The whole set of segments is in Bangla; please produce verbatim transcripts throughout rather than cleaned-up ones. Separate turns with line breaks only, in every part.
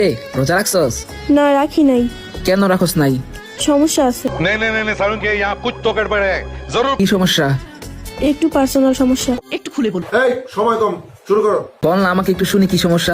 এ রোজা রাখছস?
না রাখি নাই।
কেন রাখস নাই?
সমস্যা আছে।
नहीं नहीं नहीं नहीं सारुण के यहाँ कुछ तो गड़बड़ है जरूर।
কি সমস্যা?
একটু পার্সোনাল সমস্যা।
একটু খুলে বল।
এই সময় কম, শুরু করো।
বল না আমাকে একটু শুনি কি সমস্যা।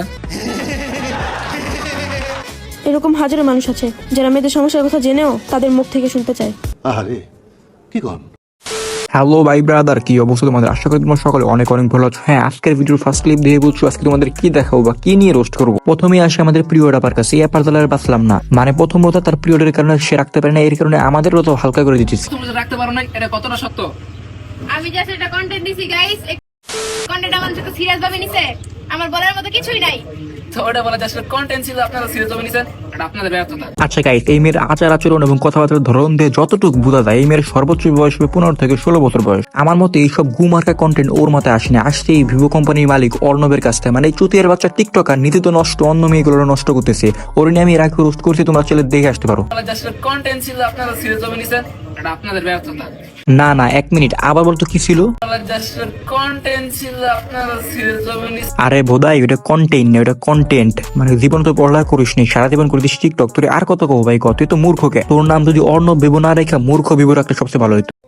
এরকম হাজারো মানুষ আছে যারা মেয়েদের সমস্যার কথা জেনেও তাদের মুখ থেকে শুনতে চায়।
আরে কি কন?
হ্যালো ভাই ব্রাদার, কি অবস্থা তোমাদের? আশা করি তোমরা সকলে অনেক অনেক ভালো আছো। হ্যাঁ, আজকের ভিডিওর ফার্স্ট ক্লিপ দিয়ে বলছো আজকে তোমাদের কি দেখাবো বা কি নিয়ে রোস্ট করবো। প্রথমেই আসে আমাদের পিরিয়ড আপার কাছে। এই আপার দলের বাঁচলাম না, মানে প্রথম কথা তার পিরিয়ডের কারণে সে রাখতে পারে না, এর কারণে আমাদেরও তো হালকা করে দিচ্ছিস।
তুমি রাখতে পারো না, এটা কতটা সত্য?
আমি জাস্ট এটা কন্টেন্ট দিছি গাইস। কন্টেন্ট আমার সাথে সিরিয়াস ভাবে নিছে, আমার বলার মতো কিছুই নাই।
তো ওটা বলা জাস্ট কন্টেন্ট ছিল, আপনারা সিরিয়াস ভাবে নিছেন, এটা আপনাদের ব্যর্থতা।
আচ্ছা গাইস, এই মেয়ের আচার আচরণ এবং কথাবার্তার ধরন দিয়ে যতটুকু বোঝা যায় এই মেয়ের সর্বোচ্চ বয়স হবে পনেরো থেকে ষোলো বছর বয়স। আমার মতে এইসব গুমার্কা কন্টেন্ট ওর মাথায় আসেনি, আসছে এই ভিভো কোম্পানির মালিক অর্ণবের কাছ থেকে। মানে এই চুতিয়ার বাচ্চা টিকটকার নীতি তো নষ্ট, অন্য মেয়েগুলো নষ্ট করতেছে। ওর নিয়ে আমি এর আগে রোস্ট করছি, তোমরা ছেলে দেখে আসতে পারো।
বলা জাস্ট কন্টেন্ট ছিল, আপনারা সিরিয়াস ভাবে নিছেন, এটা আপনাদের ব্যর্থতা।
না না, এক মিনিট, আবার বলতো কি ছিল?
বলা জাস্ট কন্টেন্ট ছিল, আপনারা সিরিয়াস ভাবে নিছেন।
আরে বোধাই, ওটা কন্টেন্ট না, ওটা কন্টেন্ট। মানে জীবন তো পড়ালেখা করিস নি, সারা জীবন করে দিস টিকটক। তোর আর কত কব ভাই, কত? তুই তো মূর্খকে। তোর নাম যদি অর্ণব ভেবো না রেখা মূর্খ ভেবো রাখলে সবচেয়ে ভালো হইতো।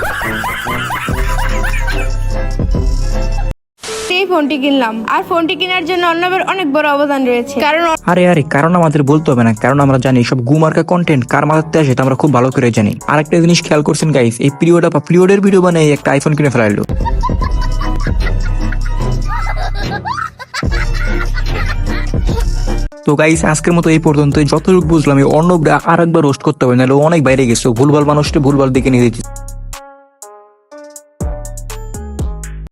এই ফোনটি কিনলাম, আর ফোনটি কেনার জন্য অর্ণবের অনেক বড় অবদান রয়েছে। কারণ
আরে আরে কারণ আমাদের বলতে হবে না, কারণ আমরা জানি সব গুমার্কা কন্টেন্ট কার মাথাতে আসে এটা আমরা খুব ভালো করে জানি। আরেকটা জিনিস খেয়াল করছেন গাইস, এই পিরিয়ড বা পিরিয়ডের ভিডিও বানিয়ে একটা আইফোন কিনে ফেলাইলো। তো গাইস, আজকের মতো এই পর্যন্ত। যতটুকু বুঝলাম এই অর্ণবরা আর একবার রোস্ট করতে হবে, নাহলে অনেক বাইরে গেছে। ভুলভাল মানুষটা ভুলভাল দিকে নিয়ে দিচ্ছে।